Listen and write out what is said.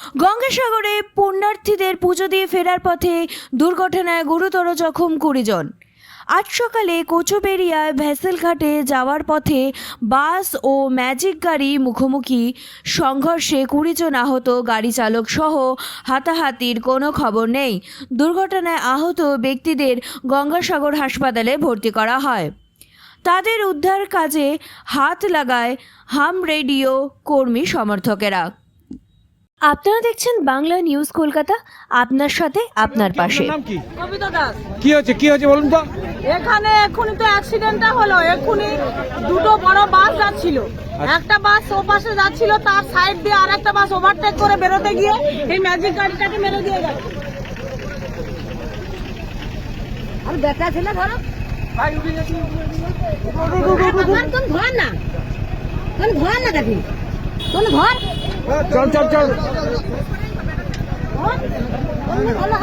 গঙ্গাসাগরে পুণ্যার্থীদের পুজো দিয়ে ফেরার পথে দুর্ঘটনায় গুরুতর জখম 20 জন। আজ সকালে কোচবেড়িয়ায় ভেসেলঘাটে যাওয়ার পথে বাস ও ম্যাজিক গাড়ি মুখোমুখি সংঘর্ষে 20 জন আহত, গাড়ি চালক সহ হাতাহাতির কোনো খবর নেই। দুর্ঘটনায় আহত ব্যক্তিদের গঙ্গাসাগর হাসপাতালে ভর্তি করা হয়। তাদের উদ্ধার কাজে হাত লাগায় হাম রেডিও কর্মী সমর্থকেরা। আপনারা দেখছেন বাংলা নিউজ কলকাতা, আপনার সাথে আপনার পাশে। কবিতা দাস। কি হয়েছে বলুন তো। এখানে এক্ষুনি তো অ্যাক্সিডেন্টটা হলো। এক্ষুনি দুটো বড় বাস যাচ্ছিল, একটা বাস ও পাশে যাচ্ছিল, তার সাইড দিয়ে আর একটা বাস ওভারটেক করে বেরোতে গিয়ে এই ম্যাজিক গাড়িটাকে মেরে দিয়ে গেল। আর দেখা ছিল ধরো ধর না দেখি ধর চল ধর